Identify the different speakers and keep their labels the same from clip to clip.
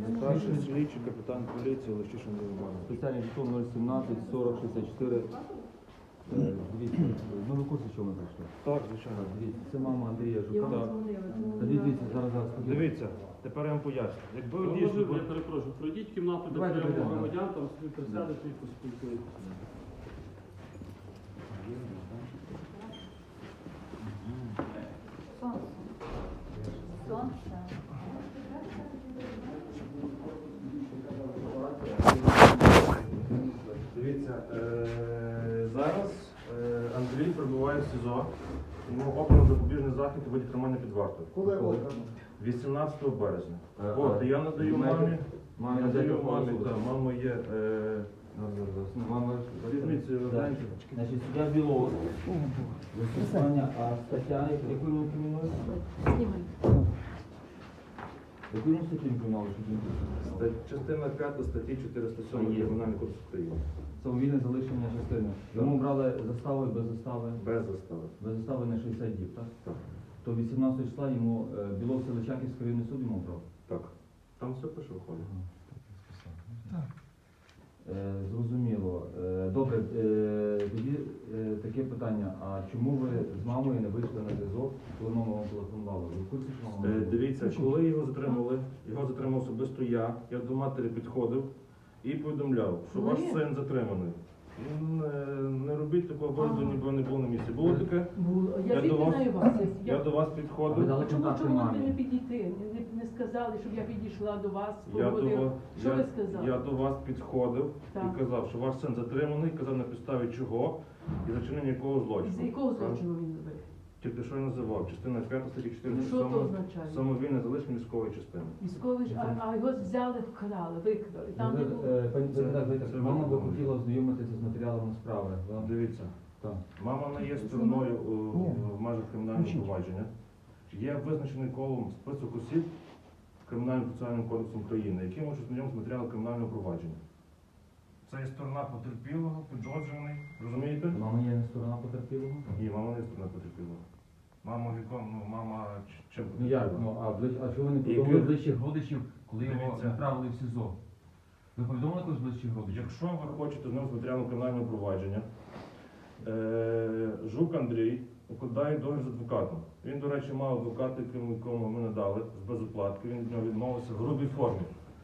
Speaker 1: Старший слідчий капітан поліції Лещишин Іванович.
Speaker 2: Спеціальний жетон 017 40 64. Дивіться, ну ви в курсі, що ми прийшли?
Speaker 1: Так, звичайно.
Speaker 2: Дивіться, це мама Андрія
Speaker 3: Я
Speaker 2: Жука.
Speaker 3: вам дзвонила.
Speaker 2: Та дивіться, зараз.
Speaker 1: Дивіться, тепер я вам поясню. Якби ви
Speaker 4: Може,
Speaker 1: дійсно...
Speaker 4: я перепрошую, пройдіть кімнату, де
Speaker 2: Давайте
Speaker 4: прийому
Speaker 2: пройдемо.
Speaker 4: громадян, там собі присядете і поспілкуєтеся.
Speaker 3: Сонце. Сонце.
Speaker 1: Дивіться, зараз Андрій перебуває в СІЗО. Йому обрано запобіжний захід у виді тримання під вартою.
Speaker 5: Коли обрано?
Speaker 1: 18 березня.
Speaker 2: А,
Speaker 1: От, я надаю
Speaker 2: ви маєте-
Speaker 1: мамі, надаю мамі, так, мама є...
Speaker 2: Мама,
Speaker 1: Візьміть, гляньте.
Speaker 2: значить, суддя Білов. Застосування, а стаття, яку він кримінує?
Speaker 3: Знімай.
Speaker 2: Яку він статтю кримінує, що він
Speaker 1: Частина 5 статті 407 Кримінального кодексу України.
Speaker 2: самовільне залишення частини. Йому брали застави без застави.
Speaker 1: Без застави.
Speaker 2: Без застави на 60 діб, так?
Speaker 1: Так.
Speaker 2: То 18 числа йому Білов Селичанківський районний суд йому брав.
Speaker 1: Так. Там все пише виходить.
Speaker 2: Зрозуміло. Добре, тоді таке питання. А чому ви з мамою не вийшли на зв'язок, коли мама вам телефонувала? Ви в курсі, що мама?
Speaker 1: Дивіться, коли його затримав особисто я до матері підходив і повідомляв, що ваш син затриманий. Не робіть такого вигляду, ніби не було на місці. Було таке?
Speaker 3: Було. Я
Speaker 1: Я до
Speaker 3: звідки
Speaker 1: вас-
Speaker 3: знаю вас.
Speaker 1: Я до вас
Speaker 2: А ви
Speaker 1: підходив.
Speaker 2: дали
Speaker 3: Чому
Speaker 2: контакти
Speaker 3: ви
Speaker 2: мамі?
Speaker 3: не підійти? Не сказали, щоб я підійшла до вас,
Speaker 1: Я до,
Speaker 3: поговорила.
Speaker 1: вас-
Speaker 3: Що
Speaker 1: я,
Speaker 3: ви сказали?
Speaker 1: я до вас підходив
Speaker 3: Так.
Speaker 1: і казав, що ваш син затриманий, казав на підставі чого і за чинення якого злочину.
Speaker 3: Із якого злочину він робив?
Speaker 1: Тільки що я називав, частина 5 статті
Speaker 3: Ну, що то означає?
Speaker 1: самовільне залишення військової частини.
Speaker 3: Військовий ж, а його взяли, вкрали, викрали. Там не було.
Speaker 2: Пані Богдан,
Speaker 1: це
Speaker 2: мама би
Speaker 1: виконано.
Speaker 2: хотіла ознайомитися з матеріалами справи. Вона-
Speaker 1: Дивіться,
Speaker 2: Так.
Speaker 1: мама не є стороною в межах кримінального провадження. Є визначений колом список осіб Кримінальним процесуальним кодексом України, які можуть знайомитися з матеріалом кримінального провадження. Це є сторона потерпілого, підозрюваний. Розумієте?
Speaker 2: Мама є не сторона потерпілого?
Speaker 1: Ні, мама не є сторона потерпілого. Мама віком, мама чим
Speaker 2: Ну як?
Speaker 1: потерпіла?
Speaker 2: А чого ви не
Speaker 1: І
Speaker 2: повідомили
Speaker 1: ви-
Speaker 2: ближчих родичів, коли його
Speaker 1: Дивіться.
Speaker 2: направили в СІЗО? Ви повідомили когось ближчих родичів?
Speaker 1: Якщо ви хочете знайомитися з матеріалом кримінального провадження, Жук Андрій укладає договір з адвокатом. Він, до речі, мав адвоката, якому ми надали з безоплатки, він від нього відмовився в грубій формі.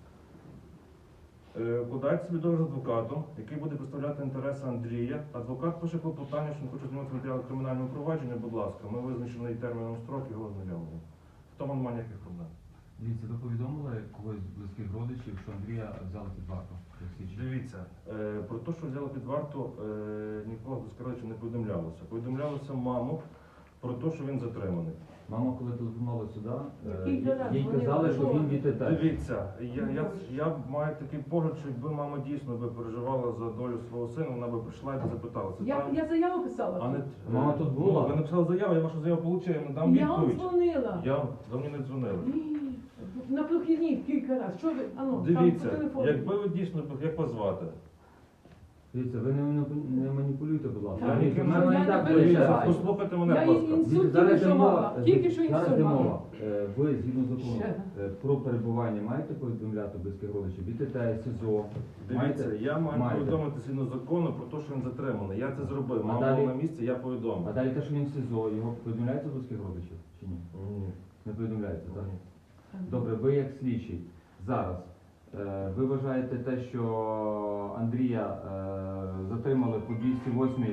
Speaker 1: Укладається собі договір з адвокатом, який буде представляти інтереси Андрія. Адвокат пише клопотання, що він хоче знайомитися з матеріалом кримінального провадження, будь ласка, ми визначений терміном строк його ознайомимо. В тому немає ніяких проблем.
Speaker 2: Дивіться, ви повідомили когось з близьких родичів, що Андрія взяли під варту?
Speaker 1: Дивіться, про те, що взяли під варту, нікого з родичів не повідомлялося. Повідомлялося маму про те, що він затриманий.
Speaker 2: Мама, коли телефонувала сюди,
Speaker 3: Який раз
Speaker 2: їй
Speaker 3: вони
Speaker 2: казали, що він
Speaker 3: говорили?
Speaker 2: від ТТ.
Speaker 1: Дивіться, я маю такий погляд, що якби мама дійсно би переживала за долю свого сина, вона би прийшла і би запиталася.
Speaker 3: Я заяву писала.
Speaker 1: А не,
Speaker 2: Мама тут була?
Speaker 1: Ну, ви написали заяву, я вашу заяву отримав, я надам
Speaker 3: Я вам
Speaker 1: відповідь.
Speaker 3: дзвонила.
Speaker 1: Ви мені не дзвонили.
Speaker 3: Ні, на прохідні кілька разів. Що ви? Ану,
Speaker 1: Дивіться,
Speaker 3: там по телефону.
Speaker 1: якби ви дійсно, як вас звати?
Speaker 2: Дивіться, ви не маніпулюйте, будь ласка.
Speaker 3: Так,
Speaker 2: Дивіться,
Speaker 3: я
Speaker 2: в мене
Speaker 3: не
Speaker 2: і так
Speaker 3: переживаю.
Speaker 2: виходить.
Speaker 1: Дивіться, послухайте мене,
Speaker 3: Я
Speaker 1: будь ласка.
Speaker 3: інсульт
Speaker 2: Дивіться,
Speaker 3: тільки
Speaker 2: зараз
Speaker 3: що
Speaker 2: йде
Speaker 3: мала.
Speaker 2: мова,
Speaker 3: Тільки що
Speaker 2: зараз
Speaker 3: інсульт
Speaker 2: йде
Speaker 3: мала.
Speaker 2: мова. Ви, згідно закону,
Speaker 3: Ще.
Speaker 2: про перебування маєте повідомляти близьких родичів? Від ТТ, СІЗО?
Speaker 1: Дивіться, я маю
Speaker 2: Маєте.
Speaker 1: повідомити згідно закону про те, що він затриманий. Я це зробив.
Speaker 2: А
Speaker 1: Мама
Speaker 2: далі?
Speaker 1: була на місці, я повідомив.
Speaker 2: А далі те, що він в СІЗО, його повідомляється близьких родичів чи ні?
Speaker 1: Ні.
Speaker 2: Не повідомляється, так?
Speaker 1: Ні.
Speaker 2: Добре, ви як слідчий зараз, ви вважаєте те, що Андрія затримали по 208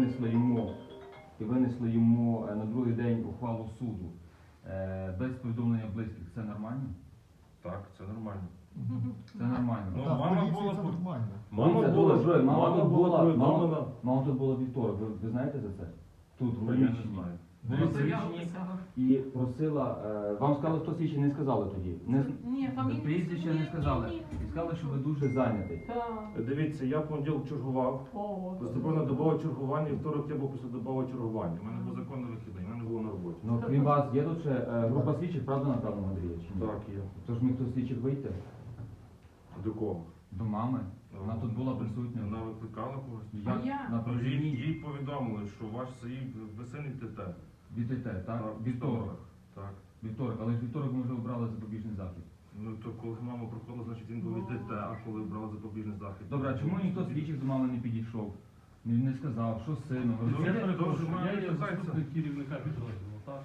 Speaker 2: і винесли йому на другий день ухвалу суду без повідомлення близьких, це нормально?
Speaker 1: Так, це нормально.
Speaker 2: Це нормально.
Speaker 1: Ну,
Speaker 5: Так,
Speaker 1: мама
Speaker 5: поліції
Speaker 1: була
Speaker 5: це
Speaker 1: тут.
Speaker 5: нормально.
Speaker 1: Мама
Speaker 2: Дивіться,
Speaker 1: була,
Speaker 2: дуже,
Speaker 1: мама
Speaker 2: тут
Speaker 1: була
Speaker 2: була,
Speaker 1: повідомлена.
Speaker 2: мама тут була вівторок, ви знаєте за це? Тут, в
Speaker 1: Ну, я не
Speaker 2: приміщенні.
Speaker 1: знаю.
Speaker 2: Були слідчі і просила, вам сказали, хто слідчий, не сказали тоді.
Speaker 3: Ні, фамілію.
Speaker 2: Прізвище не сказали. І сказали, що ви дуже зайнятий.
Speaker 3: Так.
Speaker 1: Дивіться, я в понеділок чергував.
Speaker 3: О,
Speaker 1: Поступив на добове чергування, і второк я був після добового чергування. У мене був законний вихідний, мене не було на роботі.
Speaker 2: Ну, крім вас, є тут ще група слідчих, правда, напевно, Андрія? Чи ні?
Speaker 1: Так, є.
Speaker 2: Тож міг хто з слідчих вийти?
Speaker 1: До кого?
Speaker 2: До мами. Вона тут була присутня.
Speaker 1: Вона викликала когось?
Speaker 2: Як
Speaker 3: А я?
Speaker 2: на
Speaker 1: Ну,
Speaker 2: провідній
Speaker 1: їй повідомили, що ваш весельний ТТ.
Speaker 2: від ТТ, так? Вівторок.
Speaker 1: Так.
Speaker 2: Вівторок, але ж вівторок ми вже обрали запобіжний захід.
Speaker 1: Ну то коли мама проходила, значить він був від ДТ, а коли брали запобіжний захід.
Speaker 2: Добре, а чому ніхто з слідчих до мами не підійшов? Не сказав, що з сином?
Speaker 1: Ну,
Speaker 4: Я
Speaker 1: я
Speaker 4: перепрошую,
Speaker 1: теж маю
Speaker 4: я є
Speaker 1: питання.
Speaker 4: заступник керівника підрозділу, так?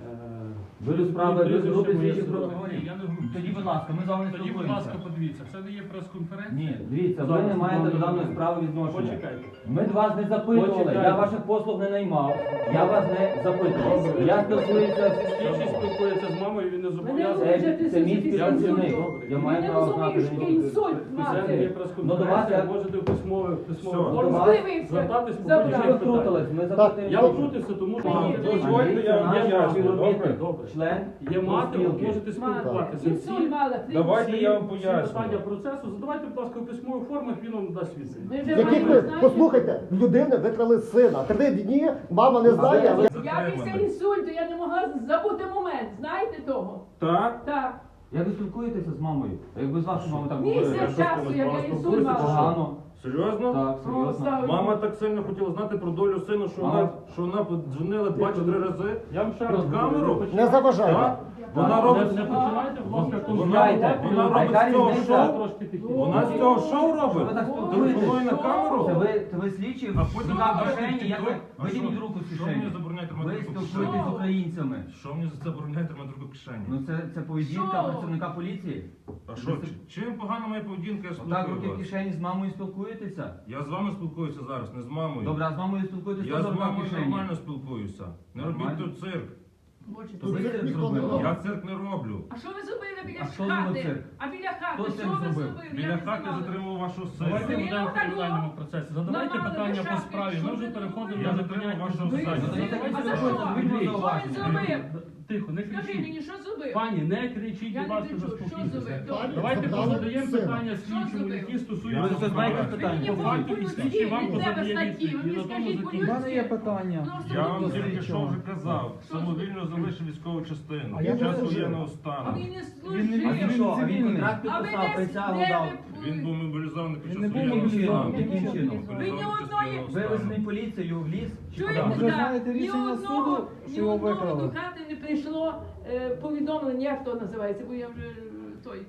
Speaker 2: Ви до справи, ви з групи
Speaker 4: Прізвище
Speaker 2: слідчих
Speaker 4: моє
Speaker 2: прокурорів?
Speaker 4: Ні, я не в групі.
Speaker 2: Тоді, будь ласка, ми з вами не
Speaker 4: Тоді, будь ласка,
Speaker 2: спілкуємося.
Speaker 4: подивіться, це не є прес-конференція.
Speaker 2: Ні, дивіться, ви не маєте до даної справи відношення.
Speaker 4: Почекайте.
Speaker 2: Ми до вас не запитували,
Speaker 4: Почекайте.
Speaker 2: я ваших послуг не наймав, я вас не запитував. Я спілкуюся
Speaker 4: Слідчий спілкується з мамою, він не
Speaker 3: Мене
Speaker 4: зобов'язаний.
Speaker 2: це мій співпрацівник. Я
Speaker 3: Ви
Speaker 2: маю
Speaker 3: не
Speaker 2: право
Speaker 3: розумієш,
Speaker 2: знати.
Speaker 3: який інсульт
Speaker 4: Це не є
Speaker 3: мати.
Speaker 2: Ну, до вас
Speaker 4: прес-конференція,
Speaker 2: я-
Speaker 4: можете в письмовій
Speaker 2: Все,
Speaker 4: формі
Speaker 2: до вас-
Speaker 4: звертатись по
Speaker 3: Забрали.
Speaker 2: Що ви
Speaker 4: будь-яких питань.
Speaker 2: втрутились? Ми запитуємо.
Speaker 4: Я втрутився, тому що
Speaker 3: Ні,
Speaker 4: дозвольте, я
Speaker 2: наш
Speaker 4: поясню.
Speaker 2: співробітник,
Speaker 4: Добре.
Speaker 2: член
Speaker 4: Є мати, ви
Speaker 2: профспілки.
Speaker 4: можете спілкуватися.
Speaker 3: Інсульт мала.
Speaker 1: Давайте я вам
Speaker 4: Всі
Speaker 1: поясню.
Speaker 4: питання процесу задавайте, будь ласка, у письмових формах, він вам дасть відповідь.
Speaker 3: Ми вже
Speaker 5: Яких
Speaker 3: маємо,
Speaker 5: ви,
Speaker 3: знаєте,
Speaker 5: послухайте, в людини викрали сина. 3 дні, мама не знає, але
Speaker 3: Я після інсульту, я не могла забути момент, знаєте того?
Speaker 1: Так?
Speaker 3: Так.
Speaker 2: Як ви спілкуєтеся з мамою? А якби з вашою мамою так
Speaker 3: Місяць
Speaker 2: говорили?
Speaker 3: часу, як я інсульт
Speaker 1: спілкуєтеся,
Speaker 3: мала.
Speaker 2: Погано.
Speaker 1: Серйозно?
Speaker 2: Так, серйозно.
Speaker 3: слава
Speaker 1: Мама так сильно хотіла знати про долю сина, що вона подзвонила 2 чи 3 рази.
Speaker 4: Я вам ще раз
Speaker 1: Під камеру?
Speaker 4: говорю,
Speaker 5: не заважає.
Speaker 1: Так? Вона
Speaker 4: Не
Speaker 1: робить
Speaker 4: починайте, будь ласка,
Speaker 2: Чекайте,
Speaker 1: вона
Speaker 2: а
Speaker 1: робить
Speaker 2: яка
Speaker 1: з цього
Speaker 2: різниця?
Speaker 1: шоу?
Speaker 4: трошки тихіше.
Speaker 1: Вона з цього шоу
Speaker 2: Що ви
Speaker 1: робить?
Speaker 2: так
Speaker 1: Телефонує
Speaker 2: спілкуєтесь?
Speaker 1: на камеру?
Speaker 2: Це ви слідчі,
Speaker 1: А потім
Speaker 2: рука в
Speaker 1: ви
Speaker 2: кишені,
Speaker 1: кажете,
Speaker 2: як ви
Speaker 1: а
Speaker 2: витягніть
Speaker 1: що?
Speaker 2: руку з
Speaker 1: Що мені
Speaker 2: кишені.
Speaker 1: забороняєте
Speaker 2: Ви
Speaker 1: тримати руку в
Speaker 2: спілкуєтесь
Speaker 1: кишені?
Speaker 2: з українцями.
Speaker 1: Що мені забороняє тримати руку в кишені?
Speaker 2: Ну це поведінка
Speaker 3: Що?
Speaker 2: працівника поліції.
Speaker 1: А що, чим погана моя поведінка, я
Speaker 2: Отак руки
Speaker 1: спілкую
Speaker 2: в
Speaker 1: вас?
Speaker 2: кишені з мамою спілкуєтеся.
Speaker 1: Я з вами спілкуюся зараз, не з мамою.
Speaker 2: Добре, а з мамою спілкуєтеся
Speaker 1: Я
Speaker 2: теж
Speaker 1: з
Speaker 2: рука в
Speaker 1: мамою
Speaker 2: кишені.
Speaker 1: нормально спілкуюся. Не робіть
Speaker 2: Нормально?
Speaker 1: тут цирк.
Speaker 3: Боже,
Speaker 2: То ви
Speaker 3: це-
Speaker 2: цирк
Speaker 5: ніхто не
Speaker 2: зробили.
Speaker 5: робить.
Speaker 1: Я цирк не роблю.
Speaker 3: А що ви зробили біля
Speaker 2: А що зробив
Speaker 3: хати?
Speaker 2: цирк?
Speaker 3: А біля хати,
Speaker 2: Хто
Speaker 3: що
Speaker 2: цирк
Speaker 3: ви
Speaker 2: зробив?
Speaker 3: зробили?
Speaker 1: Біля
Speaker 3: Я не
Speaker 1: хати
Speaker 3: знала.
Speaker 1: затримав вашого
Speaker 4: Давайте
Speaker 1: сина.
Speaker 4: будемо в кримінальному процесі. Задавайте
Speaker 3: Нормально,
Speaker 4: питання по
Speaker 3: лишати,
Speaker 4: справі.
Speaker 3: що
Speaker 4: Ми вже
Speaker 3: ви
Speaker 4: переходимо
Speaker 3: думаєте?
Speaker 1: Я
Speaker 4: до
Speaker 1: затримав
Speaker 4: поняття
Speaker 1: вашого
Speaker 3: Ви
Speaker 1: сина.
Speaker 3: зробили? А за
Speaker 2: Що
Speaker 3: що?
Speaker 2: ви
Speaker 3: Що він
Speaker 2: зауваження?
Speaker 3: зробив?
Speaker 4: Тихо, не
Speaker 3: Скажи
Speaker 4: кричіть.
Speaker 3: мені, що зробив?
Speaker 4: Пані, не кричіть,
Speaker 3: Я
Speaker 4: будь
Speaker 3: не
Speaker 4: ласка,
Speaker 3: кричу. Що
Speaker 4: заспокійтеся.
Speaker 3: зробив?
Speaker 5: Пані,
Speaker 4: Давайте
Speaker 5: забрали
Speaker 4: позадаємо
Speaker 5: сина.
Speaker 4: питання
Speaker 3: Що
Speaker 4: слідчому,
Speaker 3: зробив?
Speaker 4: які
Speaker 1: Я
Speaker 4: стосуються
Speaker 2: Ви знаєте
Speaker 4: справи.
Speaker 2: питання?
Speaker 3: Мені
Speaker 4: По факту і слідчий вам
Speaker 3: від тебе
Speaker 4: позадає
Speaker 3: статті, ви
Speaker 4: відповідь. І
Speaker 3: мені
Speaker 4: на тому
Speaker 3: скажіть
Speaker 4: закінчимо.
Speaker 3: по-людськи.
Speaker 6: У мене є питання.
Speaker 3: Просто
Speaker 1: Я вам
Speaker 3: по-людськи.
Speaker 1: тільки що вже казав, самовільно залишив військову частину.
Speaker 6: А я
Speaker 1: Під час
Speaker 6: не служив.
Speaker 1: воєнного
Speaker 3: А
Speaker 1: стану.
Speaker 3: він не
Speaker 6: Він не
Speaker 2: А
Speaker 3: служив.
Speaker 2: він що? А він
Speaker 6: Цивільний.
Speaker 2: контракт
Speaker 3: А ви
Speaker 2: підписав, присягу дав.
Speaker 1: Він був мобілізований під
Speaker 6: Він
Speaker 1: час
Speaker 6: не був
Speaker 1: воєнного
Speaker 6: мобілізований.
Speaker 1: стану.
Speaker 2: Яким чином?
Speaker 3: Ви ні одної...
Speaker 2: Вивезений поліцією в ліс? Чи
Speaker 3: Чуєте,
Speaker 2: куди?
Speaker 6: Ви
Speaker 3: так?
Speaker 6: знаєте
Speaker 3: Ні
Speaker 6: рішення
Speaker 3: одного-
Speaker 6: суду,
Speaker 3: ні
Speaker 6: що його
Speaker 3: одного
Speaker 6: викрали?
Speaker 3: до хати не прийшло повідомлення, як то називається, бо я вже той...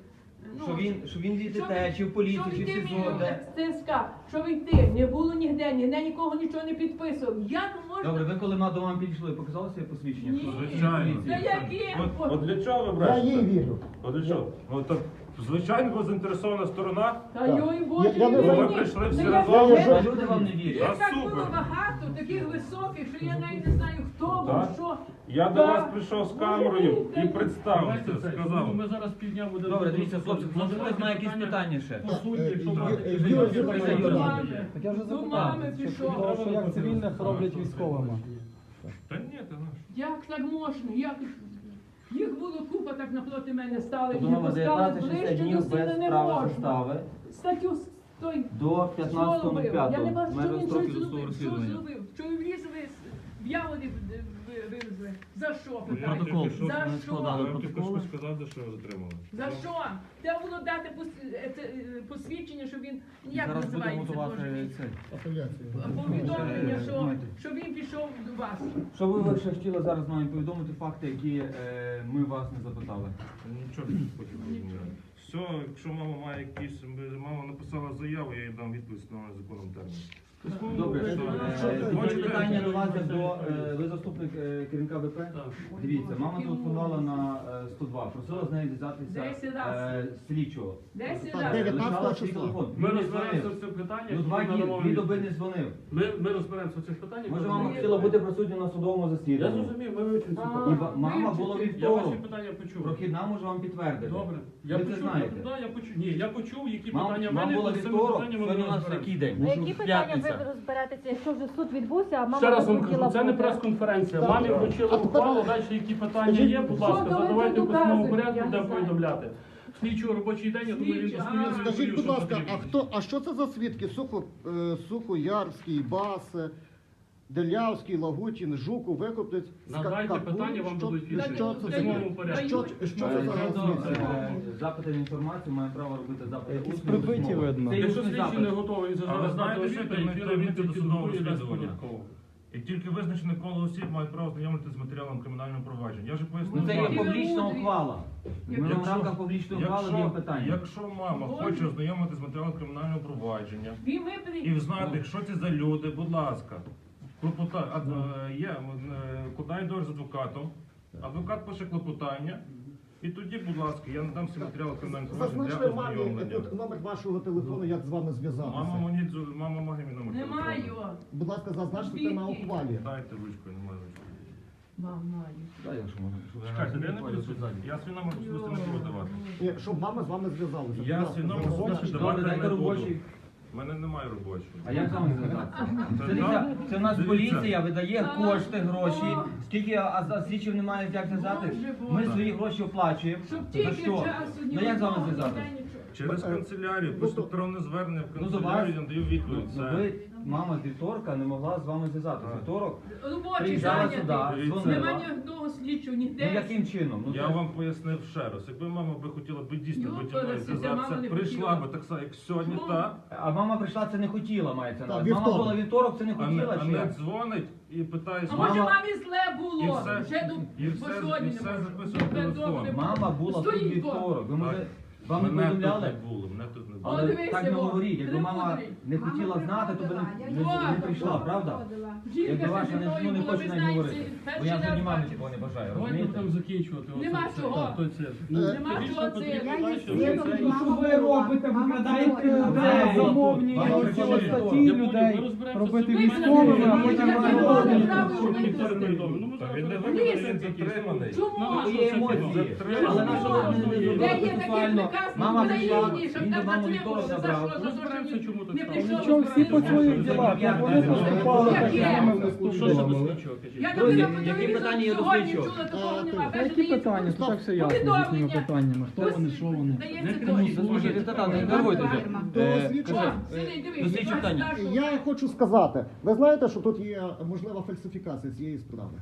Speaker 2: Що він від ДТ, чи в
Speaker 3: що
Speaker 2: поліції, чи в
Speaker 3: йти
Speaker 2: СІЗО, де?
Speaker 3: в ТСК, що йти, не було ніде нікого нічого не підписував. Як можна?
Speaker 2: Добре, ви коли до мами підійшли, показали своє посвідчення?
Speaker 3: Ні.
Speaker 2: Що ви
Speaker 1: Звичайно.
Speaker 2: поліції?
Speaker 3: Та які?
Speaker 1: От для чого ви
Speaker 5: я
Speaker 1: брешете?
Speaker 5: їй вірю.
Speaker 1: От для чого? Ну так, звичайно, ви заінтересована сторона.
Speaker 3: Та
Speaker 5: Так.
Speaker 3: йой Боже,
Speaker 5: Я не
Speaker 3: ні,
Speaker 5: знаю.
Speaker 3: ні.
Speaker 1: Ви прийшли всі
Speaker 3: Та
Speaker 1: разом.
Speaker 3: я-
Speaker 5: Я-
Speaker 2: Люди вам не
Speaker 3: Їх
Speaker 2: вірять.
Speaker 3: так
Speaker 1: супер.
Speaker 3: було багато, таких високих, що я навіть не знаю, хто був,
Speaker 1: Так.
Speaker 3: що.
Speaker 1: Я до
Speaker 3: Так.
Speaker 1: вас прийшов з камерою і представився,
Speaker 4: Давайте це.
Speaker 1: сказав.
Speaker 4: Ми зараз півдня будемо...
Speaker 2: Добре, дивіться, хлопці,
Speaker 4: Задавайте
Speaker 2: можливо, знає якісь питання ще.
Speaker 4: По суті, якщо
Speaker 5: Юрій,
Speaker 4: брати...
Speaker 5: Юрій,
Speaker 4: Юрій,
Speaker 5: Юрій,
Speaker 4: Юрій,
Speaker 2: Юрій.
Speaker 4: Юрій.
Speaker 6: Так я вже
Speaker 3: До мами
Speaker 6: запитав,
Speaker 3: пішов.
Speaker 6: що як цивільних роблять військовими.
Speaker 1: Та ні, ти знаєш.
Speaker 3: Як так можна? Як... Їх було купа так напроти мене стали, і
Speaker 2: Подумали,
Speaker 3: пускали
Speaker 2: 19-60
Speaker 3: ближче до
Speaker 2: днів
Speaker 3: сина
Speaker 2: без
Speaker 3: не
Speaker 2: права
Speaker 3: можна.
Speaker 2: застави
Speaker 3: Статтю той
Speaker 2: до
Speaker 3: що робив? Я не
Speaker 2: 15.05.
Speaker 3: бачу, що
Speaker 2: Межа
Speaker 3: він
Speaker 2: строків
Speaker 3: щось
Speaker 2: досудового
Speaker 3: зробив. Що
Speaker 2: розслідування.
Speaker 3: зробив? Що в ліс в яворі вивезли? За що? питаю?
Speaker 2: Протокол.
Speaker 3: За
Speaker 2: Ми
Speaker 3: що?
Speaker 2: складали
Speaker 1: Я вам тільки
Speaker 2: протоколи.
Speaker 1: що сказав, за що його затримали.
Speaker 3: За що? Треба було дати посвідчення, що він, як
Speaker 2: Зараз будемо
Speaker 3: називається,
Speaker 2: готувати
Speaker 3: Боже мій?
Speaker 2: цей.
Speaker 3: Повідомлення,
Speaker 2: Е,
Speaker 3: що,
Speaker 2: знаєте.
Speaker 3: що він пішов до вас.
Speaker 2: Що ви ще хотіли зараз нам повідомити факти, які ми вас не запитали?
Speaker 1: Нічого не хотів розуміти. Все, якщо мама має якісь, мама написала заяву, я їй дам відповідь на законному терміні.
Speaker 2: Добре,
Speaker 1: Хочете?
Speaker 2: тоді питання до вас як до ви заступник керівника ВП.
Speaker 4: Так.
Speaker 2: Дивіться, мама телефонувала на 102, просила з нею
Speaker 3: 10
Speaker 2: зв'язатися
Speaker 3: раз.
Speaker 2: слідчого.
Speaker 3: 10
Speaker 5: Так,
Speaker 3: разів.
Speaker 5: 19
Speaker 2: Лишала свій
Speaker 5: числа.
Speaker 2: телефон.
Speaker 4: Ми
Speaker 2: Він не
Speaker 4: розберемося
Speaker 2: дзвонив.
Speaker 4: в цих питаннях.
Speaker 2: Ну 2
Speaker 4: і
Speaker 2: дні,
Speaker 4: надамо
Speaker 2: 2
Speaker 4: відповідь.
Speaker 2: доби не дзвонив.
Speaker 4: Ми розберемося в цих питаннях.
Speaker 2: Може,
Speaker 4: ми
Speaker 2: мама
Speaker 4: надамо
Speaker 2: хотіла
Speaker 4: відповідь.
Speaker 2: бути присутня на судовому
Speaker 4: Я
Speaker 2: засіданні.
Speaker 4: зрозумів, ми вивчимо ці
Speaker 3: А.
Speaker 4: питання.
Speaker 2: Мама була
Speaker 3: вивчити.
Speaker 4: Я ваші
Speaker 2: вівторок.
Speaker 4: питання почув.
Speaker 2: Прохідна може вам підтвердити.
Speaker 4: Добре.
Speaker 2: Ви
Speaker 4: Я
Speaker 2: це
Speaker 4: почув,
Speaker 2: знаєте.
Speaker 4: я почув. Ні, я почув, які
Speaker 2: Мам
Speaker 4: питання в
Speaker 2: була
Speaker 4: мене, з цими
Speaker 2: вівторок,
Speaker 4: питаннями
Speaker 2: сьогодні
Speaker 4: ми
Speaker 2: у нас
Speaker 4: розберемося.
Speaker 2: який день?
Speaker 7: А які питання
Speaker 2: П'ятниця.
Speaker 7: ви розберетеся, якщо вже суд відбувся, а мама
Speaker 4: Ще раз вам
Speaker 7: хотіла
Speaker 4: кажу, це не
Speaker 7: бути?
Speaker 4: прес-конференція.
Speaker 5: Так.
Speaker 4: Мамі вручили ухвалу, далі які питання є, будь ласка,
Speaker 3: Що ви
Speaker 4: задавайте
Speaker 3: тут
Speaker 4: в письмовому
Speaker 3: доказуєте?
Speaker 4: порядку,
Speaker 3: Я не
Speaker 4: будемо
Speaker 3: знаю.
Speaker 4: повідомляти. Слідчого робочий день, я думаю, він
Speaker 3: Слідчий,
Speaker 4: дослівно
Speaker 3: а.
Speaker 4: відповів,
Speaker 5: Скажіть, будь
Speaker 4: що
Speaker 5: ласка,
Speaker 4: потрібно.
Speaker 5: а що це за свідки? Сухоярський, Бас, Делявський, Лагутін, Жуков, Викопець,
Speaker 4: Надайте
Speaker 5: Капун?
Speaker 4: питання, вам
Speaker 5: Що-
Speaker 4: будуть відповіді.
Speaker 5: Що
Speaker 4: В
Speaker 5: це за
Speaker 4: письмовому порядку.
Speaker 5: що це за свідки?
Speaker 2: Запити на інформацію, має право робити запити
Speaker 6: Якісь
Speaker 2: усні,
Speaker 6: прибиті
Speaker 2: письмові.
Speaker 6: видно.
Speaker 2: Це є
Speaker 4: Якщо
Speaker 2: усний
Speaker 4: слідчий
Speaker 2: запит.
Speaker 4: не готовий, він
Speaker 1: А ви
Speaker 4: зараз
Speaker 1: знаєте,
Speaker 4: дати
Speaker 1: що
Speaker 4: відповідь,
Speaker 1: таємниця
Speaker 4: він відповідь
Speaker 1: досудового
Speaker 4: і дасть
Speaker 1: розслідування?
Speaker 4: податково.
Speaker 1: І тільки визначене коло осіб мають право знайомитися з матеріалом кримінального провадження. Я вже пояснив.
Speaker 2: Ну це є
Speaker 1: вам.
Speaker 2: публічна ухвала. Ми в
Speaker 1: Якщо-
Speaker 2: рамках публічної ухвали даємо питання.
Speaker 1: Якщо мама хоче ознайомитися з матеріалом кримінального провадження
Speaker 3: Він випадок.
Speaker 1: і знати, що це за люди, будь ласка, куди йдеш з адвокатом, адвокат пише клопотання, і тоді, будь ласка, я надам всі матеріали кримінального провадження для
Speaker 5: Зазначте мамі
Speaker 1: ознайомлення.
Speaker 5: тут номер вашого телефону, як з вами зв'язатися.
Speaker 1: Мама має мій номер
Speaker 3: Немає
Speaker 1: телефону.
Speaker 3: його.
Speaker 5: Будь ласка, зазначте це на ухвалі.
Speaker 1: Дайте ручку, я не маю ручки.
Speaker 3: Маю.
Speaker 2: Дай, якщо можна.
Speaker 1: Чекайте, я не буду я свій номер особисто не буду давати.
Speaker 5: Ні, щоб мама з вами зв'язалася.
Speaker 1: Я
Speaker 5: Будь ласка,
Speaker 1: свій номер
Speaker 5: зазначте.
Speaker 1: особисто
Speaker 2: Добре,
Speaker 1: давати
Speaker 2: дайте
Speaker 1: не буду.
Speaker 2: робочий.
Speaker 1: У мене немає робочого.
Speaker 2: А як з вами зв'язатися?
Speaker 1: Це
Speaker 2: Це в нас
Speaker 1: Дивіться.
Speaker 2: поліція видає
Speaker 3: Так.
Speaker 2: кошти, гроші.
Speaker 3: О.
Speaker 2: Скільки, а слідчів немає як зв'язати?
Speaker 3: Боже,
Speaker 2: Ми
Speaker 3: Боже.
Speaker 2: свої гроші оплачуємо.
Speaker 3: Щоб
Speaker 2: За
Speaker 3: тільки
Speaker 2: що?
Speaker 3: часу ні
Speaker 2: Ну як з вами
Speaker 3: одного,
Speaker 2: зв'язатися?
Speaker 3: ніде нічого.
Speaker 1: Через канцелярію,
Speaker 5: Ну,
Speaker 1: пишу
Speaker 5: то-
Speaker 1: електронне звернення в
Speaker 2: Ну, до вас,
Speaker 1: канцелярію, я даю відповідь.
Speaker 2: ну,
Speaker 1: Все.
Speaker 2: ви, мама з вівторка не могла з вами зв'язатися.
Speaker 1: Так.
Speaker 2: Вівторок
Speaker 3: Робочий
Speaker 2: приїжджала
Speaker 3: зайнятий.
Speaker 2: сюди, дзвонила.
Speaker 3: Нема ні одного слідчого,
Speaker 2: Ну
Speaker 3: ніде.
Speaker 2: яким чином? Ну,
Speaker 1: Я
Speaker 2: це-
Speaker 1: вам пояснив ще раз. Якби мама би хотіла би дійсно
Speaker 3: Йопа,
Speaker 1: бути мною
Speaker 3: Росія, мама
Speaker 1: зв'язатися,
Speaker 3: не
Speaker 1: прийшла
Speaker 3: хотіла.
Speaker 1: би так само, як сьогодні,
Speaker 3: Чому?
Speaker 1: та,
Speaker 2: А мама прийшла, це не хотіла, мається на
Speaker 5: Так,
Speaker 2: увазі. Мама
Speaker 5: вівторок.
Speaker 2: була вівторок, це не
Speaker 1: а
Speaker 2: хотіла
Speaker 1: не,
Speaker 2: чи як?
Speaker 1: дзвонить і питає,
Speaker 3: А може
Speaker 2: Мама-
Speaker 3: мамі зле
Speaker 1: І
Speaker 3: було?
Speaker 1: все-
Speaker 3: Вже до
Speaker 1: і все-
Speaker 3: бо сьогодні
Speaker 1: і
Speaker 3: не
Speaker 1: все
Speaker 3: можу.
Speaker 1: записує в
Speaker 3: Добре,
Speaker 1: телефон.
Speaker 3: добре.
Speaker 2: Мама була тут
Speaker 3: Стоїть
Speaker 2: вівторок. Ви може,
Speaker 1: Так.
Speaker 2: вам не
Speaker 1: Мене
Speaker 2: повідомляли?
Speaker 1: тут не було, мене тут не було.
Speaker 3: О,
Speaker 2: Але
Speaker 3: дивися,
Speaker 2: так не
Speaker 3: Бог,
Speaker 2: говоріть, якби
Speaker 3: не
Speaker 2: мама
Speaker 3: мудрий.
Speaker 2: не хотіла знати, то би не прийшла, правда?
Speaker 3: Жінка
Speaker 2: Якби ваша
Speaker 3: зі
Speaker 2: не,
Speaker 3: мною
Speaker 2: ну, не
Speaker 3: була,
Speaker 2: хоче
Speaker 3: ви
Speaker 2: навіть
Speaker 3: знаєте,
Speaker 2: говорити. Бо
Speaker 3: перший
Speaker 2: я
Speaker 3: раз
Speaker 2: взагалі мамі
Speaker 3: бачу.
Speaker 2: такого не бажаю,
Speaker 4: Давайте
Speaker 2: розумієте?
Speaker 4: будемо закінчувати.
Speaker 3: Нема
Speaker 4: оце-
Speaker 3: чого.
Speaker 4: той це.
Speaker 3: Нема чого це.
Speaker 6: Що ви робите? Викрадаєте людей, замовні
Speaker 2: Вам
Speaker 6: цілі
Speaker 2: причому-
Speaker 6: статті
Speaker 4: Я понял,
Speaker 6: людей,
Speaker 4: ми розберемося
Speaker 6: робити
Speaker 4: з цим.
Speaker 6: військовими, а
Speaker 3: Ми
Speaker 6: потім
Speaker 3: не
Speaker 6: вам
Speaker 3: можемо
Speaker 6: робити.
Speaker 3: право
Speaker 4: Щоб
Speaker 3: робити.
Speaker 4: ніхто не повідомив. Ну, ми
Speaker 1: Так
Speaker 4: зараз
Speaker 1: він не
Speaker 4: розберемося.
Speaker 1: виходить, він затриманий.
Speaker 3: Чому?
Speaker 2: Ну, є емоції. Але наша влада не
Speaker 3: Де
Speaker 2: зробила
Speaker 3: є такий
Speaker 2: процесуально.
Speaker 3: приказ в
Speaker 2: Мама прийшла,
Speaker 3: Україні, щоб
Speaker 2: він до
Speaker 3: так
Speaker 2: мами
Speaker 3: затримали?
Speaker 2: вівторок
Speaker 3: За
Speaker 2: забрав.
Speaker 3: що? За що
Speaker 4: Розберемося,
Speaker 3: він
Speaker 4: чому так
Speaker 3: не
Speaker 4: стало.
Speaker 3: прийшов?
Speaker 6: Нічого, всі по своїх ділах, як вони поступали, так і
Speaker 3: Яке?
Speaker 6: з ними
Speaker 4: Ну, що ще
Speaker 6: поступили.
Speaker 4: до слідчого, кажіть?
Speaker 3: Я
Speaker 2: Друзі,
Speaker 3: тобі на
Speaker 2: які
Speaker 3: телевізорі
Speaker 2: питання є до
Speaker 3: сьогодні
Speaker 2: слідчого?
Speaker 3: чула, такого нема.
Speaker 6: Та які питання? Тут так все ясно з їхніми питаннями. Хто вони, що вони.
Speaker 2: Слухайте, та не нервуйтеся.
Speaker 5: До
Speaker 2: Е,
Speaker 5: слідчого.
Speaker 2: До слідчого питання.
Speaker 5: Я хочу сказати, ви знаєте, що тут є можлива фальсифікація цієї справи?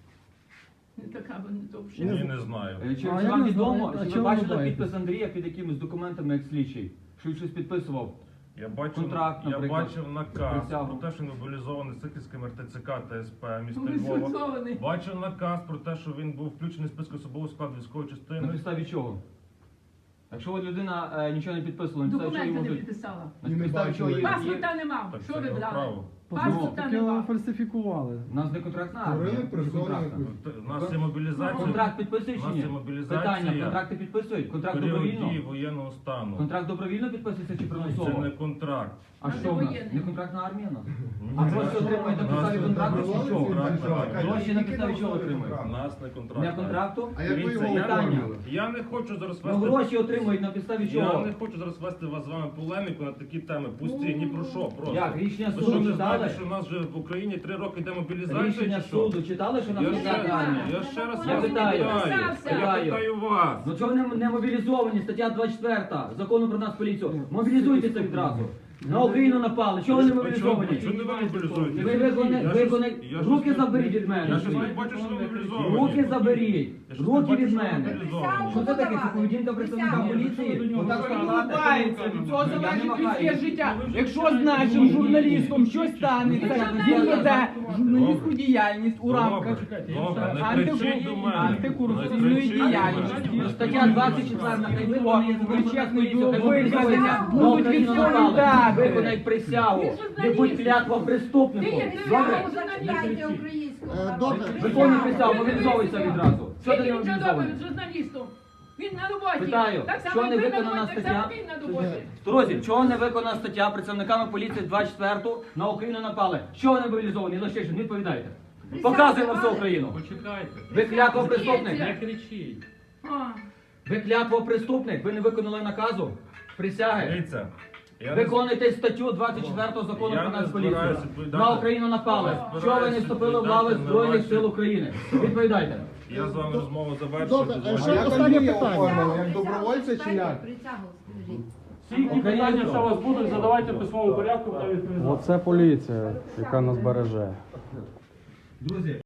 Speaker 3: Така вона довше.
Speaker 1: Ні, не знаю.
Speaker 2: Чи
Speaker 6: А я
Speaker 2: вам
Speaker 6: не
Speaker 2: відомо,
Speaker 6: знаю, а
Speaker 2: що ви
Speaker 6: чого ви
Speaker 2: бачили
Speaker 6: боїтесь?
Speaker 2: підпис Андрія під якимись документами як слідчий? Що він щось підписував?
Speaker 1: Я бачив,
Speaker 2: Контракт,
Speaker 1: я
Speaker 2: наприклад,
Speaker 1: бачив наказ
Speaker 2: присягу.
Speaker 1: про те, що він мобілізований Сихівським РТЦК та СП міста
Speaker 3: Він
Speaker 1: Львова.
Speaker 3: зіпсований.
Speaker 1: Бачив наказ про те, що він був включений в список особового складу військової
Speaker 2: На
Speaker 1: частини.
Speaker 2: підставі чого? Якщо от людина нічого не підписувала, на підставі чого
Speaker 3: Документи
Speaker 2: йому
Speaker 3: не
Speaker 2: можуть?
Speaker 3: підписала.
Speaker 2: На підставі чого є?
Speaker 3: Паспорта не мав.
Speaker 1: Так
Speaker 3: Що
Speaker 1: це
Speaker 3: ви
Speaker 1: його
Speaker 3: брали?
Speaker 1: право.
Speaker 3: Паспорта
Speaker 6: Таке
Speaker 3: нема.
Speaker 6: фальсифікували.
Speaker 2: У нас не контрактна армія. Контрактна.
Speaker 1: У нас є мобілізація.
Speaker 2: Контракт підписують
Speaker 1: У
Speaker 2: чи
Speaker 1: нас є
Speaker 2: ні?
Speaker 1: мобілізація.
Speaker 2: Питання, контракти підписують? Контракт
Speaker 1: Період
Speaker 2: добровільно?
Speaker 1: дії воєнного стану.
Speaker 2: Контракт добровільно підписується чи
Speaker 1: Це
Speaker 2: примусово?
Speaker 1: не контракт.
Speaker 2: А
Speaker 3: Це
Speaker 2: що в нас?
Speaker 3: воєнний.
Speaker 2: Не контрактна армія в нас?
Speaker 1: Ні,
Speaker 2: А гроші отримують на підставі контракту чи що?
Speaker 1: Контракт.
Speaker 2: Гроші на підставі чого отримують?
Speaker 1: У нас не контракт.
Speaker 2: Не контракту?
Speaker 5: А як ви
Speaker 1: Дивіться,
Speaker 5: його
Speaker 1: я-
Speaker 5: оформили?
Speaker 1: Я не хочу зараз
Speaker 2: Ну
Speaker 1: вести.
Speaker 2: гроші отримують на підставі
Speaker 1: Я
Speaker 2: чого?
Speaker 1: не хочу зараз вести вас з вами полеміку на такі теми. Пусті, ні про що просто.
Speaker 2: Як? Рішення
Speaker 1: Ви що
Speaker 2: суду
Speaker 1: не
Speaker 2: читали?
Speaker 1: знаєте, що в нас вже в Україні 3 роки йде мобілізація?
Speaker 2: Рішення
Speaker 1: чи що?
Speaker 2: суду читали, що
Speaker 1: Я
Speaker 2: нас
Speaker 1: ще,
Speaker 2: контрактна армія?
Speaker 1: я ще раз
Speaker 2: Я
Speaker 1: вас
Speaker 2: питаю.
Speaker 1: Я питаю вас.
Speaker 2: Ну чого ви не мобілізовані? Стаття 24 закону про нас поліцію. Мобілізуйтеся відразу. На Україну напали. Чого ви не мобілізовані?
Speaker 1: Чого не ви мобілізуєте?
Speaker 2: Ви руки заберіть від мене.
Speaker 1: Я щось не бачу, що ви мобілізовані.
Speaker 2: Руки заберіть.
Speaker 1: Я щось не
Speaker 2: Руки
Speaker 1: бачу,
Speaker 2: від
Speaker 1: що ви
Speaker 2: мене.
Speaker 1: мобілізовані.
Speaker 2: Що це таке? Це поведінка представника поліції? Отак
Speaker 8: Улыбається, від цього
Speaker 2: Я не
Speaker 8: залежить
Speaker 2: махаю.
Speaker 8: людське життя. Якщо з нашим журналістом щось станеться, він веде журналістську діяльність у рамках
Speaker 1: Добре, не кричіть до мене.
Speaker 8: антикорупційної
Speaker 1: Не кричіть до мене.
Speaker 8: діяльності.
Speaker 2: Стаття 24 хай виконує закон про нас поліцію. Хай
Speaker 8: Визнання
Speaker 2: на
Speaker 8: будуть
Speaker 2: Україну напали.
Speaker 8: відповідати.
Speaker 2: Виконай присягу. Не будь клятва преступнику. Добре?
Speaker 5: Добре.
Speaker 2: Виконуй присягу, мобілізовуйся відразу. Що ти не
Speaker 3: Він вже добре
Speaker 2: мобілізований?
Speaker 3: з журналістом. Він на роботі.
Speaker 2: Питаю,
Speaker 3: Так
Speaker 2: що
Speaker 3: само
Speaker 2: не
Speaker 3: і ви на
Speaker 2: виконана
Speaker 3: роботі, так
Speaker 2: стаття?
Speaker 3: само він на роботі.
Speaker 2: Друзі, чого не виконана стаття працівниками поліції 24 на Україну напали? Чого не мобілізовані? Лещишин, відповідайте. Показуємо всю Україну.
Speaker 4: Почекайте.
Speaker 2: Ви клятва преступник.
Speaker 4: Не кричіть.
Speaker 3: А.
Speaker 2: Ви клятва преступник. Ви не виконали наказу. Присяги.
Speaker 1: Дивіться, я не-
Speaker 2: Виконуйте статтю 24 закону
Speaker 1: Я
Speaker 2: про
Speaker 1: не
Speaker 2: нас поліцію.
Speaker 1: збираюся відповідати.
Speaker 2: На Україну напали.
Speaker 1: Я
Speaker 2: Чого ви не
Speaker 1: збираюся
Speaker 2: вступили в лави
Speaker 1: відповідати на
Speaker 2: Збройних
Speaker 1: ваші-
Speaker 2: сил України? Відповідайте.
Speaker 1: Я з вами розмову завершую.
Speaker 5: Добре,
Speaker 1: Дозвольте.
Speaker 5: ще останнє питання.
Speaker 9: Як добровольця чи як?
Speaker 4: Всі ті питання, що у вас будуть, задавайте в письмовому порядку, та відповідати.
Speaker 6: Оце поліція, яка нас береже.
Speaker 2: Друзі.